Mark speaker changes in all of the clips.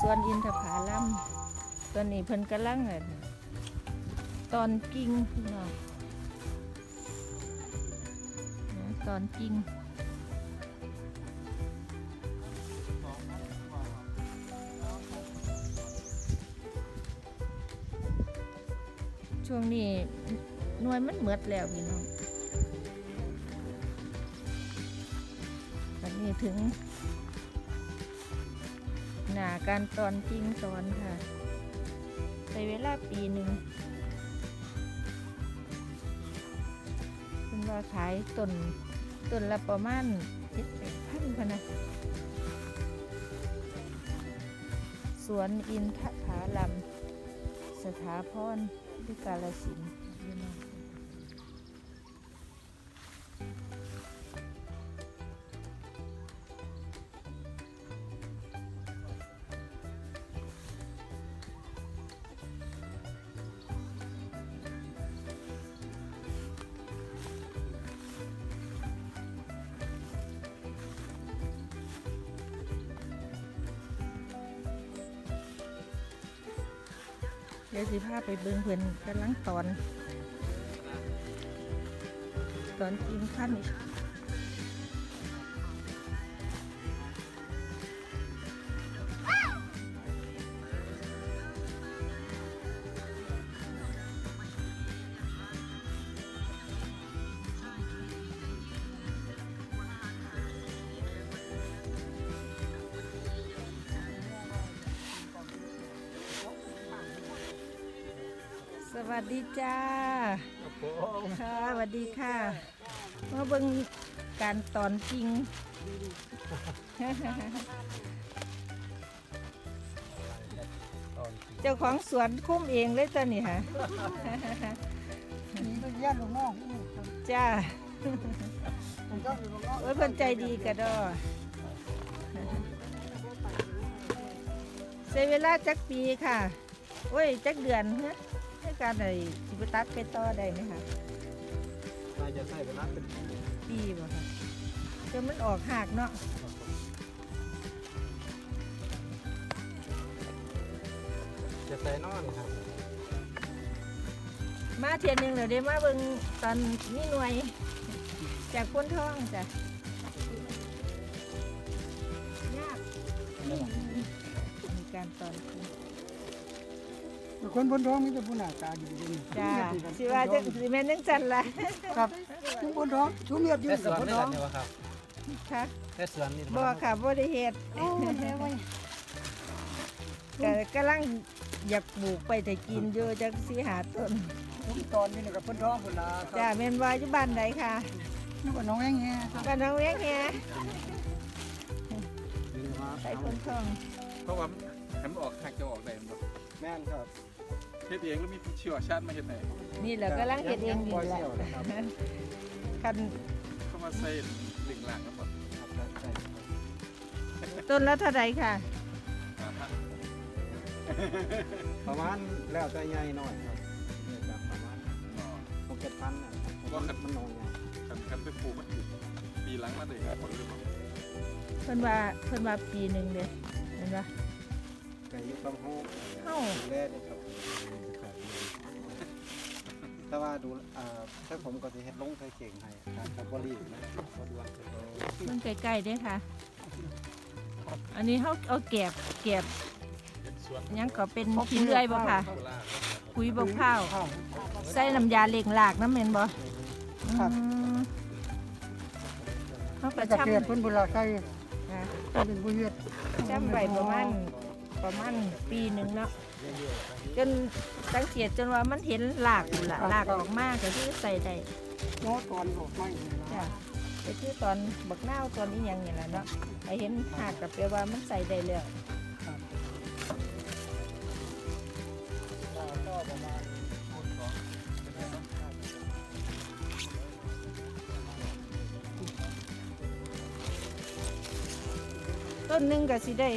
Speaker 1: วนอินทผลัมตอนนี้เพิ่นกำลังตอนกิ่งพี่น้องตอนกิ่งช่วงนี้หน่วยมันเหมือดแล้วพี่น้องวันนี้ถึงหน้าการตอนจริงตอนค่ะใช้เวลาปีหนึ่งคุณว่าขายต้นละประมาณ7-8,000ค่ะนะสวนอินทผลัมสถาพรที่กาฬสินธุ์เดี๋ยวสิพาไปเบิ่งเพิ่นกำลังตอนจริงขั้นอีกสวัสดีจ้าค่ะสวัสดีค่ะมาเบิ่งการตอนจริง เจ้าของสวนคุ้มเองเลยจ้ะนี่ค่ะ
Speaker 2: นี่เป็นญาติลูกน้อง
Speaker 1: จ้า
Speaker 2: ผมก็อยู่ลูกน้อง
Speaker 1: โอ้ยคนใจดีกระดอใช้เวลาจักปีค่ะโอ้ยจักเดือนฮะในการไหนสิบตัดไปต่อได้ไหมคะ
Speaker 2: น่าจะใส่เวลาเป็น
Speaker 1: ปีบ่ค่ะจนมันออกหักเนาะ
Speaker 2: จะใส่นอนครับ
Speaker 1: มาเทียนหนึ่งเดี๋ยวได้มาเบิ่งตอนนี้หน่วยจากพ้นท้องจ้ะยากมีการตอนคือ
Speaker 2: คนพ้นท้องมีแต่ผู้หน้าตาดีดี
Speaker 1: จ้าสิว่าจะสิแม่นจังจันล่ะ
Speaker 2: ครับผู้พ้นท้องชูเมียดอยู่
Speaker 3: แต่ส
Speaker 2: กับ
Speaker 3: วน
Speaker 2: พ้น
Speaker 3: นี่
Speaker 2: ท้อ
Speaker 3: แห
Speaker 2: ง
Speaker 3: ละนี่วะครับ
Speaker 1: ค่ะ
Speaker 3: แต่สวนนี่
Speaker 1: บ่ค่ะบ่ได้เฮ็ดก็กำลังอยากปลูกไปแต่กินอยู่จักสิหาต้น
Speaker 2: ผมตอนนี้กับพ้นท้องคนละค
Speaker 1: จ้า
Speaker 2: รับ
Speaker 1: แม่นว่าอยู่บ้านใดค่ะ
Speaker 2: นี่ว่าน้องแองแง
Speaker 1: บ้านน้องเวียงแฮไปพ้นท้อง
Speaker 4: เพราะว่าให้มันออกหักจะออกได้มันบ่
Speaker 2: แม่นครับ
Speaker 4: เฮ็ดเองแล้วมีเชี่ยวชาญมาเฮ็ดให้
Speaker 1: นี่แหละกำลังเฮ็ดเองอยู่แหละคัน
Speaker 4: เข้ามาใส่หลิงหลังแล้วบ่
Speaker 1: ต้นละเท่าใดค่ะ
Speaker 2: ประมาณแล้วแต่ใหญ่หน่อยครับเนี่ยจะประมาณ6-7,000น่ะว่ามันนอนไง
Speaker 4: คันไปปลูกมันปีหลังมาได้ผลหรือเปล่า
Speaker 1: เพิ่นว่าปีหนึงเด้เห็นบ่
Speaker 2: แต่อยู่ต้องห้อง
Speaker 1: เฮา
Speaker 2: ดูแลด้วยครับแต่ว่าดูถ้าผมก็จะเฮ็ดลงใส่เก่งให้ครับบ่รีบนะบ่ด่วน
Speaker 1: เพิ่นใกล้ๆเด้ค่ะ อันนี้เฮาเอาแกบ
Speaker 4: เป็นสวน
Speaker 1: หยังก็เป็นขี้เลื่อยบ่ค่ะ
Speaker 4: โบราณ
Speaker 1: ปุ๋ยบกข้าวใส่น้ำยาเล็งหลากน้ำแม่นบ่เฮาก็
Speaker 2: จะ
Speaker 1: ช้ำ
Speaker 2: เปลี่ยนเพิ่นเวลาใส่
Speaker 1: ค่ะ
Speaker 2: เป็นบ่เฮ็ด
Speaker 1: ช้ำไว้ประมาณปีหนึงเนาะจนสังเกตจนว่ามันเห็นหลากอยู่ล่ะหลากออกมาก็คือใส่ได้
Speaker 2: โน้ตอนออกไม้
Speaker 1: จ้ะไปคือตอนบักนาวตอนนี้ยังนี่แหละเนาะไปเห็นหากกับแปลว่ามันใส่ได้แล้วต้นหนึงก็สิได้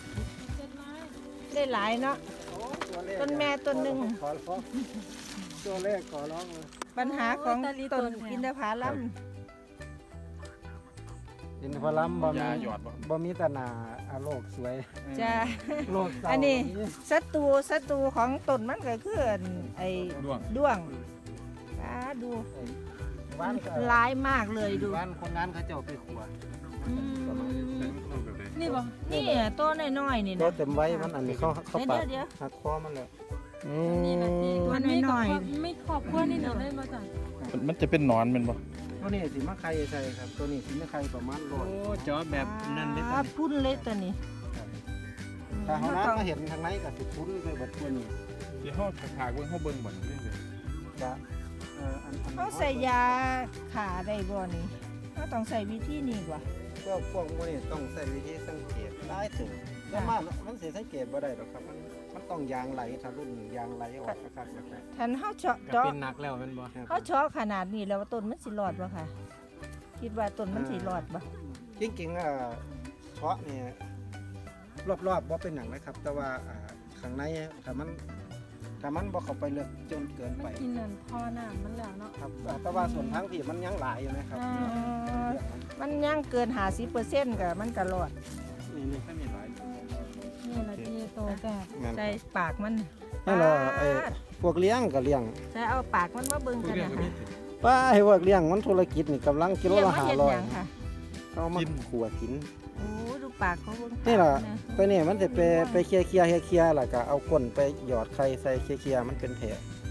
Speaker 1: หลายเนาะ ต้นแม่ต้นหนึ่ง
Speaker 2: ขอร้องตัวแรกขอร้องเลย
Speaker 1: ปัญหาของต้นอินทผลัม
Speaker 2: อินทผลัมบ่มี
Speaker 4: ยาหยอดบ่
Speaker 2: บ่มีแต่หน้าโลกสวย
Speaker 1: จ้า
Speaker 2: โลกเศร้า
Speaker 1: อันนี้
Speaker 2: บ่มี
Speaker 1: ศัตรูของต้นมันก็คือไอ้
Speaker 4: ด้วง
Speaker 1: ด้วงดู
Speaker 2: บ้านก็
Speaker 1: ร้ายมากเลยดู
Speaker 2: บ้านคนงานเขาเจ้าไปขัว
Speaker 1: อืม
Speaker 4: ลูกแบบไหน
Speaker 3: นี่บ่
Speaker 1: นี่ตัวน้อยๆนี่
Speaker 2: ก็
Speaker 1: นะ
Speaker 2: เต็มไว้มันอันนี้เขาปาด
Speaker 1: เดี๋ยว
Speaker 2: หักคอมันเลย
Speaker 3: นี่นะที่
Speaker 1: ตัว
Speaker 3: มันไม่
Speaker 1: น้อยๆ
Speaker 3: กับไม่ครอบครัวนี่เดี๋ยวได้มาจ้ะ
Speaker 4: มันจะเป็นหนอนเป็นบ่
Speaker 2: ตัวนี้สิมาไข่ใส่ครับ ตัวนี้สิมาไข่ประมาณโลจอแบบนั้นเด้
Speaker 1: พุ่นเล็กตัวนี้
Speaker 2: ถ้าเฮานั้นมาเห็นทางไหนก็สิพุ่นไปเบิดตัวนี้
Speaker 4: ที่ห้องถากๆเบิ่งเฮาเบิ่งบ่นี่เลย
Speaker 2: จะอัน
Speaker 1: เขาใส่ยาขาได้บ่นี่เขาต้องใส่วิธีนี้กว่า
Speaker 2: พวกมื้อนี้ต้องใช้วิธีสังเกตหลายถึงแล้วมันสิสังเกตบ่ได้หรอกครับมันต้องยางไหลถ้ารุ่นยางไหลออกคักๆแบบนั้น
Speaker 1: ทันเขาเจาะ
Speaker 5: ก็เป็นหนักแล้วแมันบ่
Speaker 1: เขาเจาะขนาดนี้แล้วว่าต้นมันสิรอดบ่ค่ะ คิดว่าต้นมันสิรอดบ่
Speaker 2: จริงๆเพาะเนี่ยรอบๆบ่เป็นหยังนะครับ แต่ว่าข้างในถ้ามันบ่เข้าไปลึกจนเกิน
Speaker 3: มัน
Speaker 2: ไป
Speaker 3: กินนั่นพอน้ำมันแล้วเนาะ
Speaker 2: ครับแต่ว่าส่วนทางที่มันยังหลายอยู่นะครับ
Speaker 1: มันยังเกิน50%ก็มันก็รอด
Speaker 2: นี่
Speaker 4: ถ้ามีหลาย
Speaker 3: นี่ละที่โตแต่
Speaker 2: แม่น
Speaker 1: ใส่ปากมัน
Speaker 2: นี่เหรอพวกเลี้ยงก็เลี้ยง
Speaker 1: ใส่เอาปากมันมาเบิ่ง
Speaker 4: ผู้
Speaker 1: กัน
Speaker 4: เรียก
Speaker 1: นะ
Speaker 4: ก็
Speaker 1: คะ
Speaker 4: มีสิ
Speaker 2: ป้าให้พวกเลี้ยงมันธุรกิจนี่กำลังกิโล
Speaker 1: เรียก
Speaker 2: ละ
Speaker 1: ว่าเห็ดหยังค่ะ
Speaker 2: 500เอามาขัวกิน
Speaker 1: โอ้ดูปากเขาเบิ่ง
Speaker 2: นี่ล่ะ
Speaker 1: ปากนะ
Speaker 2: ตัวนี้มันสิไปเคลียร์แล้วก็เอาก้นไปหยอดไข่ใส่เคลียร์มันเป็นแผล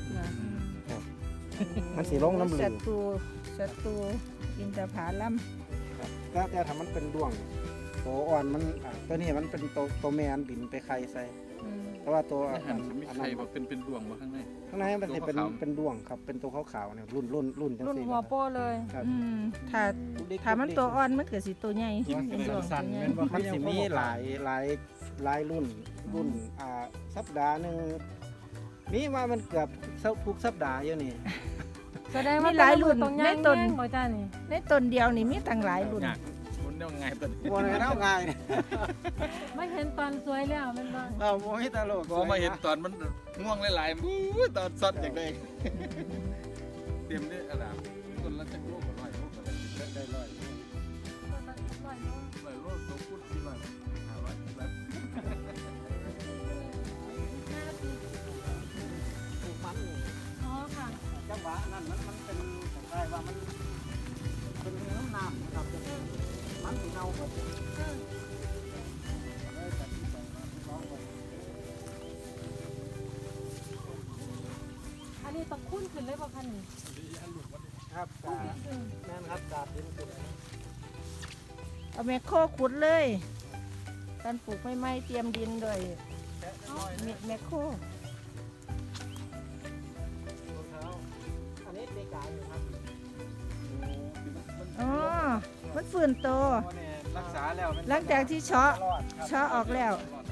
Speaker 2: มันสิลงน้ำเหลือง
Speaker 1: ศัตรูอินทผลัม
Speaker 2: แต่ถ้ามันเป็นดวงตัวอ่อนมันตัวนี้มันเป็นตัวแม่อันบินไปไข่ใส่เพราะว่าตัว
Speaker 4: อาหารมี
Speaker 2: อัน
Speaker 4: ไข่
Speaker 2: นั้น
Speaker 4: บ่เป็นดวงบ่ข้างใน
Speaker 2: ข้างในมันสิเป็น
Speaker 4: ตัวขาวๆ
Speaker 2: เป็นดวงครับเป็นตัวขาวๆเนี่ยรุ่นจัง
Speaker 3: รุ่น
Speaker 2: ซี่
Speaker 3: หัวโป้เลย
Speaker 2: ครับ
Speaker 1: ถ้ามันตัวอ่อนมันเกิดสิตัวใหญ่
Speaker 4: กิน
Speaker 1: เป็นดวง
Speaker 5: สั่น
Speaker 1: ตัวใหญ่
Speaker 5: แม่นบ่
Speaker 2: มันสิมีหลายรุ่นสัปดาห์หนึงมีว่ามันเกือบทุกสัปดาห์อยู่นี่
Speaker 3: แสดงว่าหลายรุ่นตรงย่างแย่งบ่จ้านี่
Speaker 1: ในต้นเดียวนี่มีตั้งหลายรุ่น
Speaker 4: ยากมันได้ง่ายตัวนี้
Speaker 2: บ่ได้เอาง่ายนี่
Speaker 3: ไม่เห็นตอนสวยแล้วมันบ่
Speaker 2: เอาบ่มีตลก
Speaker 4: ก็มาเห็นตอนมันง่วงหลายๆบู๊ตอนซัดอย่างใดเตรียมได้อะไรต้นละจักโลกว่า100โลกว่าได้100โลตัวพูด400 500แล้ว
Speaker 2: ปลูกมันนี่
Speaker 3: อ๋อค่ะ
Speaker 2: จังหวะนั้นมันเป็นคล้ายๆว่ามันเป็นน้ำนะครับมันสิเน่าหมดเลยตัดสินใจมาลองเบิ่ง
Speaker 3: อันนี้ตะคุ้นขึ้นเลยบ่คันนี่
Speaker 2: ครับแม่นครับดาบดินสุด
Speaker 1: เอาแมคโครขุดเลยตอนปลูกไม่เตรียมดินด้วยแมคโคร
Speaker 2: ตัวเท้าอันนี้ตีกายอยู่ครับ
Speaker 1: อ๋อมันฟื้นโต
Speaker 2: รักษาแล้ว
Speaker 1: หลังจากที่เฉาะ
Speaker 2: รอดครับ
Speaker 1: เฉาะออกแล้ว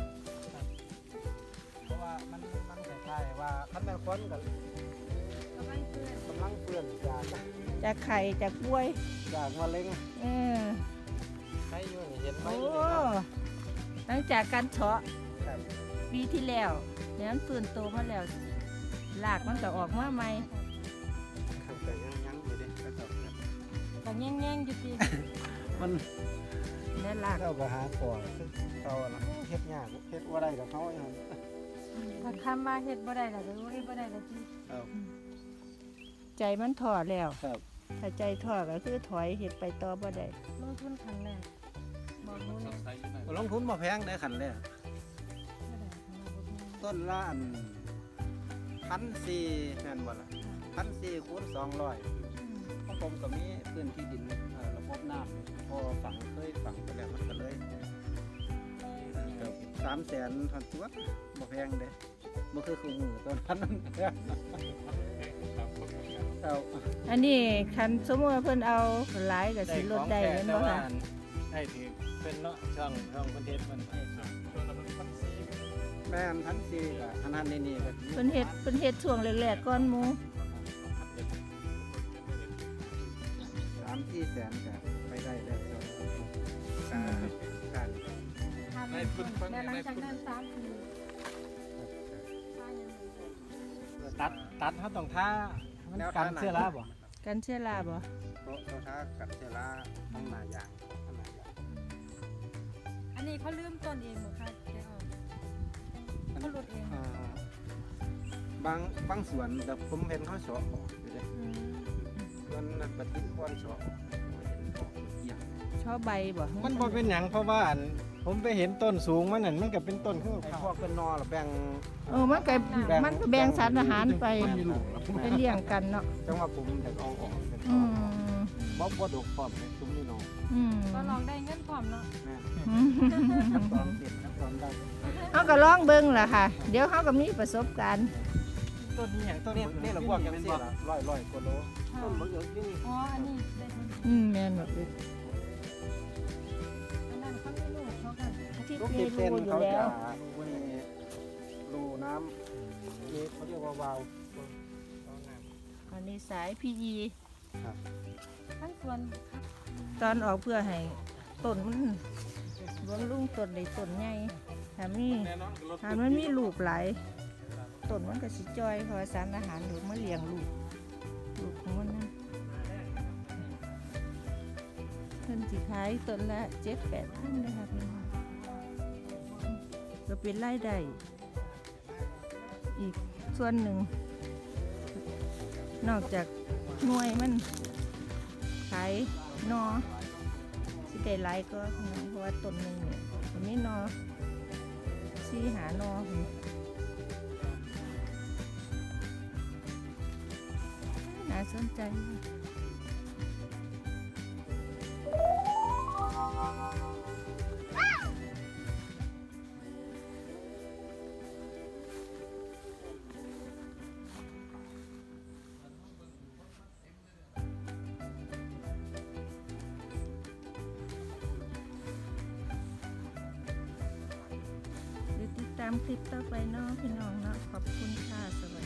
Speaker 2: เพราะว่ามันคล้ายๆว่าคันแม่คนกับกำลังเปื่อน
Speaker 1: จากไข่จากบวย
Speaker 2: จากมะเร็ง
Speaker 1: เออ
Speaker 2: ใครอยู่นี่เห็นไหม
Speaker 1: โอ้
Speaker 2: นี่ครับ
Speaker 1: หลังจากการเฉาะ
Speaker 2: ครับ
Speaker 1: ปีที่แล้วเนี่ยมันฟื้นโตมาแล้วรากมันก็ออกมาใหม่
Speaker 2: ครับแต่ยังอยู่ดิก็จบครับ
Speaker 3: ก็แย่งๆอยู่ติ
Speaker 2: มัน
Speaker 1: และราก
Speaker 2: เข้าไปหาก่อนเขาน่ะเฮ็ดยากเฮ็ดว่าได้กับเขาอย่างนั้น
Speaker 3: ถ้าคำมาเฮ็ดบ่ได้ล่ะก็เฮ็ดบ่ได้ล่ะติ
Speaker 2: ครับ
Speaker 1: ใจมันถอดแล้ว
Speaker 2: ครับ
Speaker 1: ถ้าใจถอดก็คือถอยเห็ดไปต่อบ่ได้
Speaker 3: ลงทุนครั้งแรกบอกหนู
Speaker 4: ส
Speaker 3: เนี่ย
Speaker 4: ดใสอยู่หน่อย
Speaker 2: ลงทุนมาแพงได้ขันแรก
Speaker 3: บ่ได้ของเราบ่มี
Speaker 2: ต้นละ1,400แม่นบ่ล่ะ1,400คูณ200
Speaker 3: อืม
Speaker 2: เพราะผมก็มีพื้นที่ดินระบบน้ำพอฝังเคยฝังไปแล้วมันก็เลยเกือบ300,000ทันตัวบ่แพงเด้บ่คือคู่มือต้นพันนั้นแพงเอา
Speaker 1: อันนี้คันสมมติว่าเพิ่นเอาหลายก็สิลดได้แม่นบ่คะ
Speaker 5: ได้ถือเป็นเนาะช่องคอนเทนต์มัน
Speaker 4: ช่วงนั้นมัน
Speaker 2: แม่น1,400ก็อันนั้นนี่ก็
Speaker 1: เพิ่นเฮ็ดช่วงแรกๆก่อนหมู่
Speaker 2: 3-4 แสนก็ไปได้แล้วการ
Speaker 3: ถ้าเป็นคนแล้วหลังจากนั้น3ปีถ้ายังไม่ได้
Speaker 5: ตัดเขาต้องท่ามันกันเสื้อลาบ่
Speaker 1: กันเชื้อราบ่
Speaker 2: โต๊ะท้ากับเจลาทั้งหลายอย่างทั้งหลาย
Speaker 3: นี้เขาลืมต้นเองบ่คะแกออกเขาลดเอง
Speaker 2: อ่าบางสวนแต่ผมเห็นเขาเฉาะออกอยู่เลย
Speaker 3: อืม
Speaker 2: ส่วนนั้นปฏิกรเฉาะออกบ่เห็นออกเกี่ยง
Speaker 1: ชอบใบบ่
Speaker 5: มันบ่เป็นหยังเพราะว่าอันผมไปเห็นต้นสูงมันนั่นมันก็เป็นต้นคือ
Speaker 2: ไอ้
Speaker 5: ข้าว
Speaker 2: พวกเป็นนอหรือแบ่ง
Speaker 1: มันก็แบ่งสารอาหารไป
Speaker 2: แม่นครับ
Speaker 1: ไปเลี้ยงกันเนาะ
Speaker 2: จังว่าผมอยากเอาออกเป็น
Speaker 1: อืม
Speaker 2: บ่ดกพร้อมเลยซุ้มนี่น้อง
Speaker 1: อืม
Speaker 3: ก็ลองได้เงินพร้อมเนาะ
Speaker 2: แม่น
Speaker 1: อืม
Speaker 2: ตอนเด็ดนะตอนได้
Speaker 1: เขาก็ลองเบิ่งล่ะค่ะ เดี๋ยวเขาก็มีประสบการณ์
Speaker 5: ต้นนี้หยังต้น
Speaker 2: นี่ละพวกจังซี่ล่ะร้อยกว่าโลต้นมะเขือนี่
Speaker 3: อ๋ออันนี้ได้ผล
Speaker 1: แม่นแบบนี้
Speaker 3: อันนั้นเขาไม่รู้เขาก็
Speaker 1: ที่
Speaker 2: ลูก
Speaker 1: เค
Speaker 2: ติ
Speaker 1: ย
Speaker 2: ดเป็น
Speaker 1: รู้อยู่
Speaker 2: เขา
Speaker 1: แล้
Speaker 2: จะ
Speaker 1: ว
Speaker 2: มีรูน้ำเขาเรียกว่าวาล์ว
Speaker 1: อันนี้สาย PE
Speaker 3: ทั้งส่วน
Speaker 1: ตอนออกเพื่อให้ต้นมันบำรุงต้นได้ต้นใหญ่ถ้ามี
Speaker 4: แน่นอนรถ
Speaker 1: ถ้ามันมีลูกหลายต้นมันก็สิจ้อยเพราะว่าสารอาหารหรือมาเลี้ยงลูกของมันนะเพิ่นสิขายต้นละ7-8 พันนะคะพี่น้องก็เป็นรายได้อีกส่วนหนึ่ง นอกจากหน่วยมันขายนอสิได้หลายก็เพราะว่าต้นหนึ่งเนี่ยมันมีนอหานอน่าสนใจ เดี๋ยวติดตามคลิปต่อไปเนาะพี่น้องเนาะขอบคุณค่ะสวัสดี